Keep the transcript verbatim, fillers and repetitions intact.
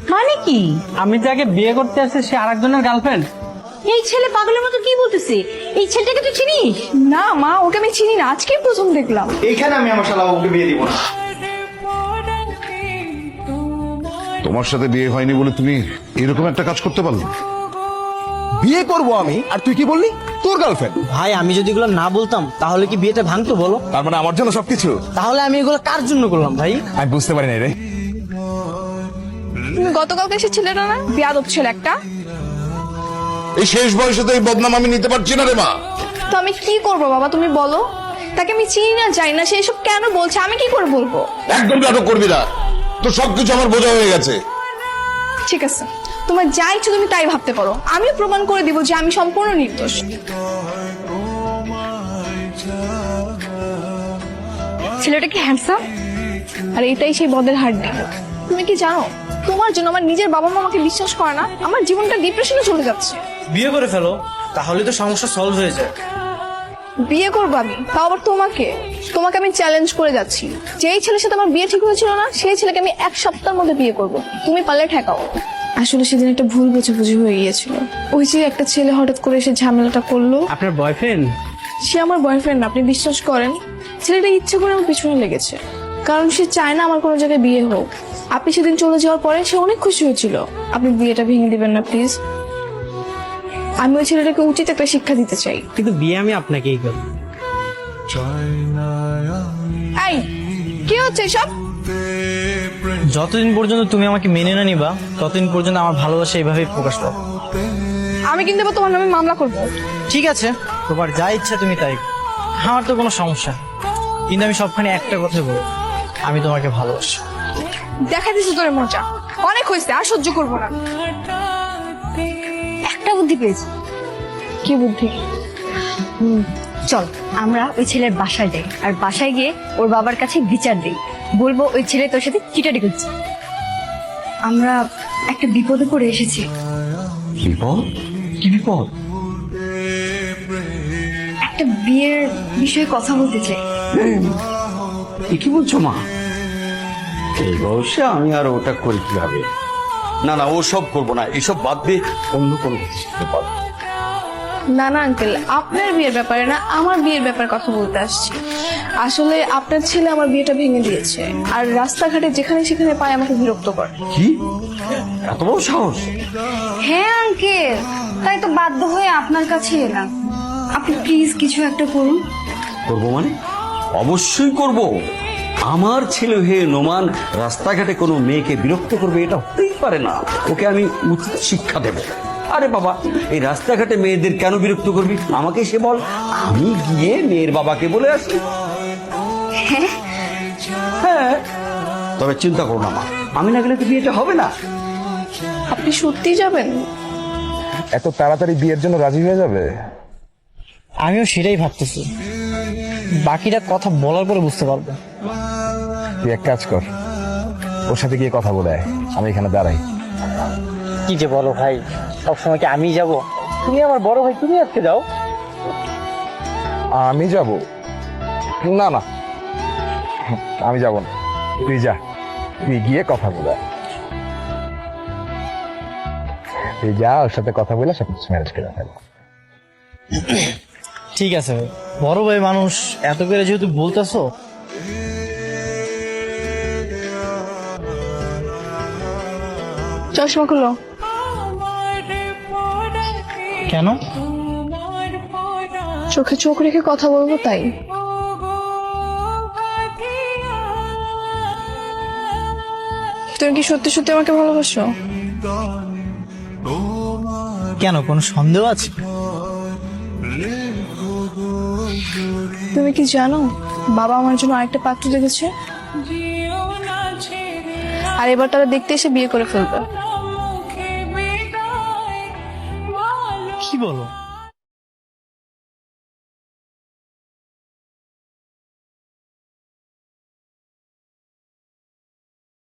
মানে কি? আমি যাকে বিয়ে করতে আসছি সে আরেকজনের গার্লফ্রেন্ড। এই ছেলে পাগলের মতো কি বলতেছে? এই ছেলেটাকে তুই চিনিস? না মা, ওকে আমি চিনি না, আজকেই প্রথম দেখলাম। এইখানে আমি আমার শালা ওকে বিয়ে দিব না। তোমার সাথে বিয়ে হয়নি বলে তুমি এরকম একটা কাজ করতে পারলে? বিয়ে করব আমি, আর তুই কি বললি তোর গার্লফ্রেন্ড? ভাই আমি যদি এগুলো না বলতাম তাহলে কি বিয়েটা ভাঙতো বলো? তার মানে আমার জন্য সবকিছু? তাহলে আমি এগুলো কার জন্য করলাম ভাই? আমি বুঝতে পারি না রে। তুমি গতকালকে সে ছেলেটা না, বিয়াদব ছেলে একটা। এই শেষ বয়সে তো এই বদনাম আমি নিতে পারছি না রে মা। তো আমি কি করবো বাবা, তুমি বলো। তাকে আমি চিনি না, জানি না, সে এসব কেন বলছে, আমি কি করে বলবো? একদম নাটক করবি না, তো সবকিছু আমার বোঝা হয়ে গেছে। ঠিক আছে, তোমার যা ইচ্ছে তুমি তাই ভাবতে পারো, আমিও প্রমাণ করে দিব যে আমি সম্পূর্ণ নির্দোষ। ছেলেটা কি হ্যান্ডসাম? আর এটাই সেই বদের হাড্ডি। তুমি কি জানো, তোমার জন্য আমার নিজের বাবা মা আমাকে বিশ্বাস করে না, আমার জীবনটা ডিপ্রেশনে চলে যাচ্ছে। বিয়ে করে ফেলো, তাহলে তো সমস্যা সলভ হয়ে যায়। বিয়ে করবো আমি, তাও আবার তোমাকে। তোমাকে আমি চ্যালেঞ্জ করে যাচ্ছি, যেই ছেলের সাথে আমার বিয়ে ঠিক হয়েছিল না, সেই ছেলেকে আমি এক সপ্তাহের মধ্যে বিয়ে করব। তুমি পারলে ঠেকাও। আসলে সেদিন একটা ভুল বোঝাবুঝি হয়ে গিয়েছিল। ওই যে একটা ছেলে হঠাৎ করে এসে ঝামেলাটা করলো। আপনার বয়ফ্রেন্ড? সে আমার বয়ফ্রেন্ড, আপনি বিশ্বাস করেন? ছেলেটা ইচ্ছে করে আমার পিছনে লেগেছে, কারণ সে চায় না আমার কোনো জায়গায় বিয়ে হোক। আপনি সেদিন চলে যাওয়ার পরে সে অনেক খুশি হয়েছিল। আপনি বিয়েটা ভেঙে দিবেন না প্লিজ। আমি ওই ছেলেটাকে উচিত একটা শিক্ষা দিতে চাই। কিন্তু বিয়ে আমি আপনাকেই করব। এই কি হচ্ছে সব? যতদিন পর্যন্ত তুমি আমাকে মেনে না নিবা ততদিন পর্যন্ত আমার ভালোবাসা এইভাবেই প্রকাশ পাবে। আমি কিন্তু এবার তোমার নামে মামলা করবো। ঠিক আছে, তোমার যা ইচ্ছা তুমি তাই করো। আমার তো কোনো সমস্যা নেই। কিন্তু আমি সবখানে একটা কথা বলবো, আমি তোমাকে ভালোবাসি। দেখা দিচ্ছে তোর মজা, অনেক হয়েছে, আর সহ্য করবো না। একটা বুদ্ধি পেয়েছি। কি বুদ্ধি? চল আমরা ওই ছেলের বাসায় যাই, আর বাসায় গিয়ে ওর বাবার কাছে বিচার দিই। বলবো ওই ছেলে তোর সাথে চিটারি করছে। আমরা একটা বিপদে পড়ে এসেছি। বিপদ? কি বিপদ? একটা বিয়ের বিষয়ে কথা বলতে চাই। এ কি বলছো মা? এই বয়সে আমি আর ওটা করি কিভাবে? না না, ও সব করবো না, এসব বাদ দিয়ে অন্য কোনো কিছু করতে পারবো। না না আঙ্কেল, আপনার বিয়ের ব্যাপারে না, আমার বিয়ের ব্যাপারে কথা বলতে আসছি। আসলে আপনার ছেলে আমার বিয়েটা ভেঙে দিয়েছে, আর রাস্তাঘাটে যেখানে সেখানে পায় আমাকে বিরক্ত করে। কি এত বড় সাহস? হ্যাঁ আঙ্কেল, তাই তো বাধ্য হয়ে আপনার কাছে এলাম। আপনি প্লিজ কিছু একটা করুন। করবো মানে? অবশ্যই করব। আমার ছেলে হয়ে নোমান রাস্তাঘাটে কোনো মেয়েকে বিরক্ত করবে, এটা হতেই পারে না। ওকে আমি উচিত শিক্ষা দেব। আরে বাবা, এই রাস্তাঘাটে মেয়েদের কেন বিরক্ত করবি? আমাকে সে বল, আমি গিয়ে মেয়ের বাবাকে বলে আসি। হ্যাঁ, তবে চিন্তা করো না মা, আমি না গেলে তো বিয়েটা হবে না। আপনি সত্যি যাবেন? এত তাড়াতাড়ি বিয়ের জন্য রাজি হয়ে যাবে? আমিও সেটাই ভাবতেছি, বাকিটা কথা বলার পরে বুঝতে পারবো। তুই এক কাজ কর, ওর সাথে গিয়ে কথা বলে আয়, আমি এখানে দাঁড়াই। কি যে বলো ভাই, সবসময় কি আমি যাব? তুমি আমার বড় ভাই, তুমি আজকে যাও। আমি যাব? না না, আমি যাব না, তুই যা। তুই গিয়ে কথা বলে আয়। তুই যা, ওর সাথে কথা বলে সব কিছু ম্যানেজ করে ফেল। ঠিক আছে ভাই, বড় ভাই মানুষ, এত করে যেহেতু বলতেছো। চশমা খুলো। কেন? চোখে চোখ রেখে কথা বলবো তাই। তুমি কি সত্যি সত্যি আমাকে ভালোবাসো? কেন, কোনো সন্দেহ আছে? তুমি কি জানো, বাবা আমার জন্য আরেকটা পাত্র দেখেছে, আর এবার তারা দেখতে এসে বিয়ে করে ফেলবে। কি বলো?